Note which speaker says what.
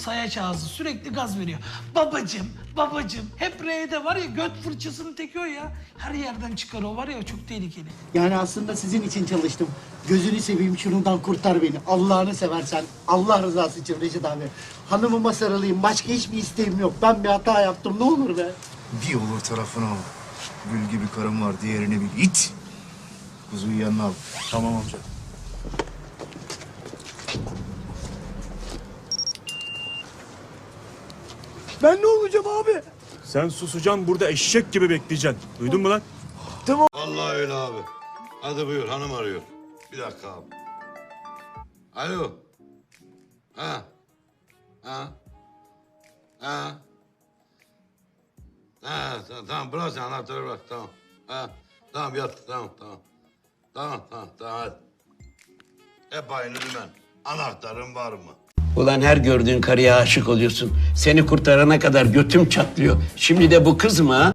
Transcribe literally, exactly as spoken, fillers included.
Speaker 1: sayaç ağzı sürekli gaz veriyor. Babacım, babacım. Hep R'de var ya göt fırçasının teki o ya. Her yerden çıkar o var ya çok tehlikeli.
Speaker 2: Yani aslında sizin için çalıştım. Gözünü seveyim şunundan kurtar beni. Allah'ını seversen. Allah rızası için Reşit abi. Hanımıma sarılayım. Başka hiçbir isteğim yok. Ben bir hata yaptım. Ne olur be.
Speaker 3: Bir olur tarafına al. Gül gibi karım var, diğerini bil. İt! Kuzuyu yanına al. Tamam amca.
Speaker 2: Ben ne olacağım abi?
Speaker 4: Sen susacaksın burada eşek gibi bekleyeceksin. Duydun mu lan?
Speaker 5: Vallahi öyle abi. Hadi buyur, hanım arıyor. Bir dakika abi. Alo. Ha. Ha. Ha. Ha, tamam, tamam bırak sen anahtarı bırak, tamam. Ha, tamam yat, tamam, tamam. Tamam, tamam, tamam hadi. Hep aynı dümen. Anahtarın var mı?
Speaker 6: Ulan her gördüğün karıya aşık oluyorsun. Seni kurtarana kadar götüm çatlıyor. Şimdi de bu kız mı ha?